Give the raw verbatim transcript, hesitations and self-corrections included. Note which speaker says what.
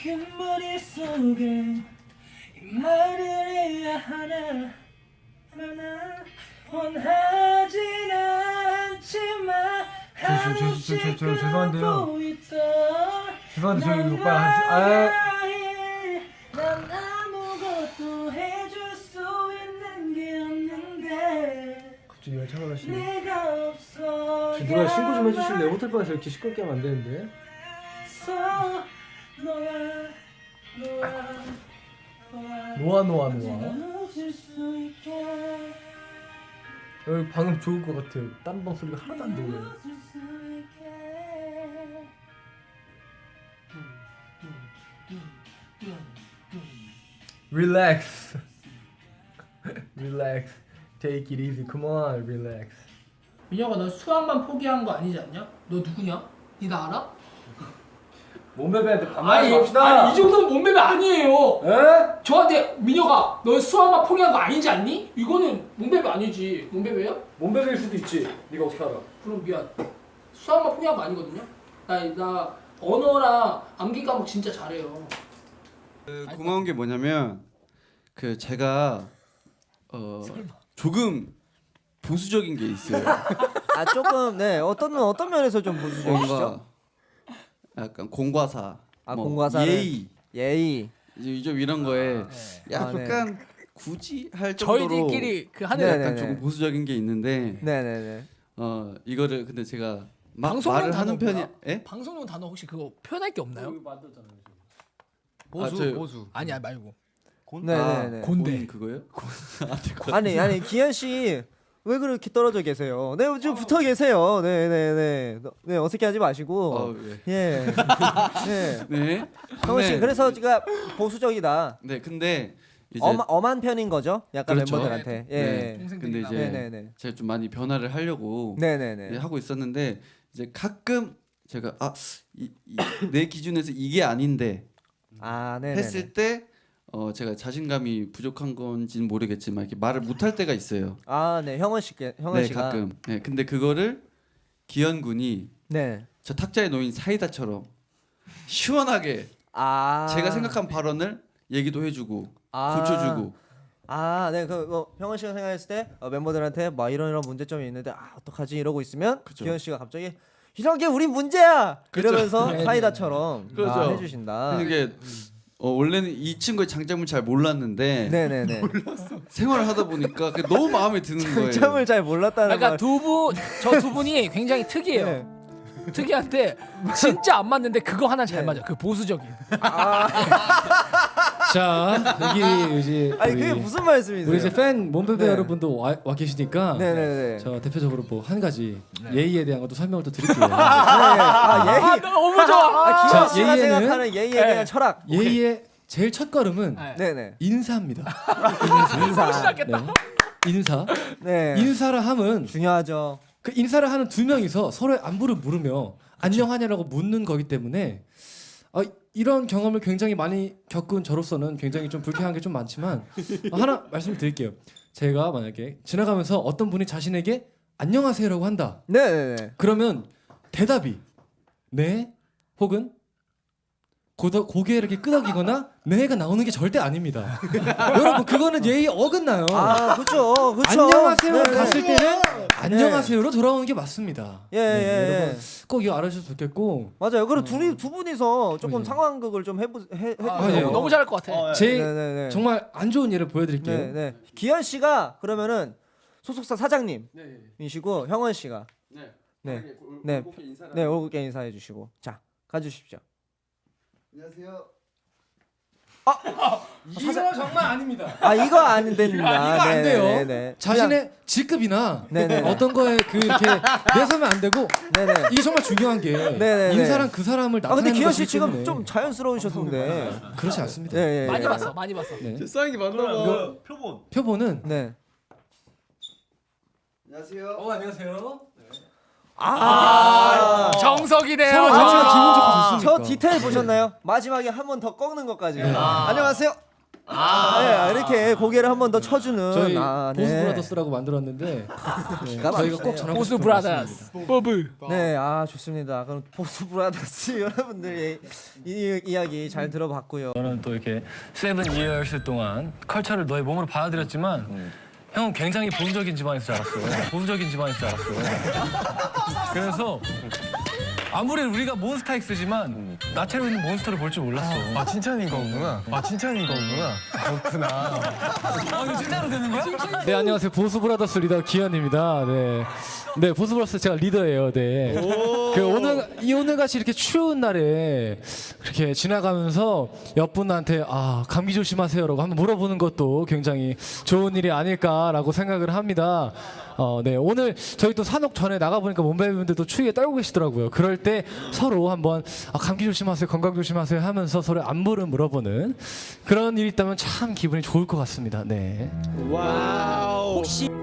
Speaker 1: 그 머릿속에 이 말을 해야 하나 하나 원하진 않지만
Speaker 2: 저, 저, 저, 저, 저, 죄송한데요.
Speaker 1: 하고 있다.
Speaker 2: 죄송한데 저희
Speaker 1: 난
Speaker 2: 오빠 한 아,
Speaker 1: 나의 난 아무것도 해줄 수 있는 게 없는데
Speaker 2: 갑자기 열차가 가시네.
Speaker 1: 내가 없어.
Speaker 2: 누가 신고 좀 해주실래요? 호텔 방에서 이렇게 시끄럽게 하면 안 되는데.
Speaker 1: 너와 너와
Speaker 2: 노아 노아 노아.
Speaker 1: 놓칠 수 있게
Speaker 2: 여기 방금 좋을 것 같아요. 딴 방 소리가 하나도 안 들려요.
Speaker 1: 놓칠 수 있게
Speaker 2: Relax. Relax. Take it easy. Come on, relax.
Speaker 3: 민혁아 너 수학만 포기한 거 아니지 않냐? 너 누구냐? 니 나 알아?
Speaker 2: 몸베베한테
Speaker 3: 아니, 아니 이 정도는 몸매매 아니에요.
Speaker 2: 에?
Speaker 3: 저한테 민혁아 너 수학만 포기한 거 아니지 않니? 이거는 몸매매 아니지. 몸매매야?
Speaker 2: 몸베베일 수도 있지. 네가 어떻게 알아?
Speaker 3: 그럼 미안. 수학만 포기한 거 아니거든요. 나, 나 언어랑 암기 과목 진짜 잘해요.
Speaker 4: 그 고마운 게 뭐냐면 그 제가 어 조금 보수적인 게 있어요.
Speaker 5: 아 조금 네 어떤 어떤 면에서 좀 보수적이시죠?
Speaker 4: 뭔가 약간 공과사,
Speaker 5: 아
Speaker 4: 뭐
Speaker 5: 공과사는
Speaker 4: 예의,
Speaker 5: 예의.
Speaker 4: 이제 좀 이런 거에
Speaker 5: 아, 네.
Speaker 4: 약간 굳이 할 정도로
Speaker 6: 저희들끼리 그 하는
Speaker 5: 네,
Speaker 4: 약간
Speaker 5: 네,
Speaker 4: 조금
Speaker 5: 네.
Speaker 4: 보수적인 게 있는데
Speaker 5: 네네네.
Speaker 4: 어 이거를 근데 제가 막
Speaker 6: 방송용
Speaker 4: 말을 하는
Speaker 6: 단어
Speaker 4: 편이
Speaker 6: 뭐야?
Speaker 4: 예?
Speaker 6: 방송용 단어 혹시 그거 표현할 게 없나요?
Speaker 4: 보수, 아, 저,
Speaker 6: 보수 아니야 말고
Speaker 5: 네네네.
Speaker 6: 곤대.
Speaker 4: 곤 그거요?
Speaker 5: 아니 아니 기현 씨 왜 그렇게 떨어져 계세요? 네 좀 붙어 계세요. 네네네. 네 어색해하지 마시고.
Speaker 4: 어, 예.
Speaker 5: 예. 네.
Speaker 4: 네.
Speaker 5: 형원 씨
Speaker 4: 네.
Speaker 5: 그래서 제가 보수적이다.
Speaker 4: 네, 근데 이제
Speaker 5: 엄, 엄한 편인 거죠? 약간
Speaker 4: 그렇죠.
Speaker 5: 멤버들한테. 예.
Speaker 4: 네.
Speaker 6: 동생들이
Speaker 4: 근데 이제
Speaker 5: 네네네.
Speaker 4: 제가 좀 많이 변화를 하려고
Speaker 5: 네네네.
Speaker 4: 네, 하고 있었는데 이제 가끔 제가 아내 기준에서 이게 아닌데
Speaker 5: 아 네네.
Speaker 4: 했을 때 어 제가 자신감이 부족한 건지는 모르겠지만 이렇게 말을 못할 때가 있어요.
Speaker 5: 아 네 형원 씨께 형원
Speaker 4: 네
Speaker 5: 씨가.
Speaker 4: 가끔. 네 근데 그거를 기현 군이
Speaker 5: 네.
Speaker 4: 저 탁자에 놓인 사이다처럼 시원하게
Speaker 5: 아.
Speaker 4: 제가 생각한 발언을 얘기도 해주고
Speaker 5: 아.
Speaker 4: 고쳐주고.
Speaker 5: 아, 네, 그 뭐, 형원 씨가 생각했을 때 어, 멤버들한테 막 이런 이런 문제점이 있는데 아 어떡하지 이러고 있으면
Speaker 4: 그쵸.
Speaker 5: 기현 씨가 갑자기 이런 게 우린 문제야
Speaker 4: 그쵸.
Speaker 5: 이러면서
Speaker 6: 네,
Speaker 5: 사이다처럼
Speaker 4: 그렇죠.
Speaker 5: 아, 해주신다.
Speaker 4: 이게 어, 원래는 이 친구의 장점을 잘 몰랐는데
Speaker 5: 네네네.
Speaker 4: 생활을 하다 보니까 그게 너무 마음에 드는 거예요.
Speaker 5: 장점을 잘 몰랐다는
Speaker 6: 그러니까
Speaker 5: 말.
Speaker 6: 두 분 저 두 분이 굉장히 특이해요.
Speaker 5: 네.
Speaker 6: 특이한데 진짜 안 맞는데 그거 하나 잘
Speaker 5: 네.
Speaker 6: 맞아. 그 보수적인.
Speaker 7: 자 여기 이제
Speaker 5: 아니
Speaker 7: 우리,
Speaker 5: 그게 무슨 말씀이세요?
Speaker 7: 우리 이제 팬 몸베베
Speaker 5: 네.
Speaker 7: 여러분도 와, 와 계시니까
Speaker 5: 네네네.
Speaker 7: 저 대표적으로 뭐 한 가지 예의에 대한 것도 설명을 또 드릴게요.
Speaker 5: 네. 아 예의.
Speaker 6: 아 너무 좋아.
Speaker 5: 아, 기현
Speaker 7: 자,
Speaker 5: 씨가
Speaker 7: 예의에는-
Speaker 5: 생각하는 예의에
Speaker 6: 네.
Speaker 5: 대한 철학.
Speaker 7: 예의의 제일 첫 걸음은
Speaker 6: 네.
Speaker 5: 네네.
Speaker 7: 인사입니다.
Speaker 5: 인사.
Speaker 6: 시작했다.
Speaker 7: 네. 인사.
Speaker 5: 네.
Speaker 7: 인사를 함은
Speaker 5: 중요하죠.
Speaker 7: 그 인사를 하는 두 명이서 서로의 안부를 물으며 안녕하냐라고 묻는 거기 때문에 어, 이런 경험을 굉장히 많이 겪은 저로서는 굉장히 좀 불쾌한 게 좀 많지만 어, 하나 말씀을 드릴게요. 제가 만약에 지나가면서 어떤 분이 자신에게 안녕하세요라고 한다.
Speaker 5: 네네네.
Speaker 7: 그러면 대답이 네 혹은 고더, 고개 이렇게 끄덕이거나 네가 나오는 게 절대 아닙니다. 여러분 그거는 예의 어긋나요.
Speaker 5: 아 그렇죠. 그렇죠.
Speaker 7: 안녕하세요
Speaker 5: 네네.
Speaker 7: 갔을 때는 안녕하세요로 돌아오는 게 맞습니다.
Speaker 5: 예, 예, 예.
Speaker 7: 여러분 꼭 이거 알아주셔서 좋겠고
Speaker 5: 맞아요. 그리고 둘이 두 분이서 조금
Speaker 7: 네.
Speaker 5: 상황극을 좀 해보 해, 해
Speaker 6: 아,
Speaker 7: 아, 예.
Speaker 6: 너무, 너무 잘할 것 같아.
Speaker 7: 제
Speaker 5: 네네네.
Speaker 7: 정말 안 좋은 예를 보여드릴게요.
Speaker 5: 네, 네. 기현 씨가 그러면은 소속사 사장님이시고 형원 씨가
Speaker 4: 네.
Speaker 5: 네.
Speaker 4: 네.
Speaker 5: 네. 네 올게 인사해 주시고 자 가주십시오.
Speaker 4: 안녕하세요.
Speaker 7: 이거 정말 아닙니다.
Speaker 5: 아 이거 안 됩니다.
Speaker 7: 이거 안 돼요.
Speaker 5: 네네네.
Speaker 7: 자신의 직급이나
Speaker 5: 네네네.
Speaker 7: 어떤 거에 그 이렇게 내서면 안 되고
Speaker 5: 네네.
Speaker 7: 이게 정말 중요한 게
Speaker 5: 네네네.
Speaker 7: 인사랑 그 사람을
Speaker 5: 아
Speaker 7: 나타내는
Speaker 5: 근데 기현 씨
Speaker 7: 것이기
Speaker 5: 지금
Speaker 7: 때문에
Speaker 5: 좀 자연스러우셨는데.
Speaker 7: 그렇지 않습니다.
Speaker 5: 네, 예,
Speaker 6: 많이
Speaker 5: 예.
Speaker 6: 봤어, 많이 봤어.
Speaker 7: 네.
Speaker 4: 싸이기 맞나 봐.
Speaker 2: 표본.
Speaker 7: 표본은
Speaker 5: 네.
Speaker 4: 안녕하세요.
Speaker 7: 어 안녕하세요.
Speaker 5: 아.
Speaker 6: 정석이네요.
Speaker 7: 서로
Speaker 6: 정석.
Speaker 7: 자체가 기분 좋고
Speaker 5: 저
Speaker 7: 좋습니까?
Speaker 5: 디테일 보셨나요? 마지막에 한 번 더 꺾는 것까지. 안녕하세요. 네, 이렇게 고개를 한 번 더 쳐주는
Speaker 7: 저희
Speaker 5: 아,
Speaker 7: 보스
Speaker 5: 네.
Speaker 7: 브라더스라고 만들었는데 네,
Speaker 5: 기가
Speaker 7: 저희가 꼭
Speaker 5: 막히네요.
Speaker 7: 전하고
Speaker 6: 보스
Speaker 7: 싶은
Speaker 6: 브라더스 버블.
Speaker 5: 네, 아 좋습니다. 그럼 보스 브라더스 여러분들의 이, 이야기 잘 들어봤고요.
Speaker 8: 저는 또 이렇게 세븐 이어스 동안 컬처를 너의 몸으로 받아들였지만 형은 굉장히 보수적인 집안인 줄 알았어요. 보수적인 집안인 줄 알았어요. 그래서 아무리 우리가 몬스타엑스지만 나체로 있는 몬스터를 볼 줄 몰랐어.
Speaker 2: 아 칭찬인 거구나. 아 칭찬인 거구나. 그렇구나.
Speaker 8: 아, 이거 진짜로 되는 거야?
Speaker 7: 네, 안녕하세요. 보스 브라더스 리더 기현입니다. 네. 네, 보스 브라더스 제가 리더예요. 네. 그 오늘 이 오늘 같이 이렇게 추운 날에 이렇게 지나가면서 옆분한테 아, 감기 조심하세요라고 한번 물어보는 것도 굉장히 좋은 일이 아닐까라고 생각을 합니다. 어, 네. 오늘 저희 또 산옥 전에 나가 보니까 몸베이분들도 추위에 떨고 계시더라고요. 그럴 때 서로 한번 아, 감기 조심하세요. 건강 조심하세요 하면서 서로 안부를 물어보는 그런 일이 있다면 참 기분이 좋을 것 같습니다. 네.
Speaker 5: 혹시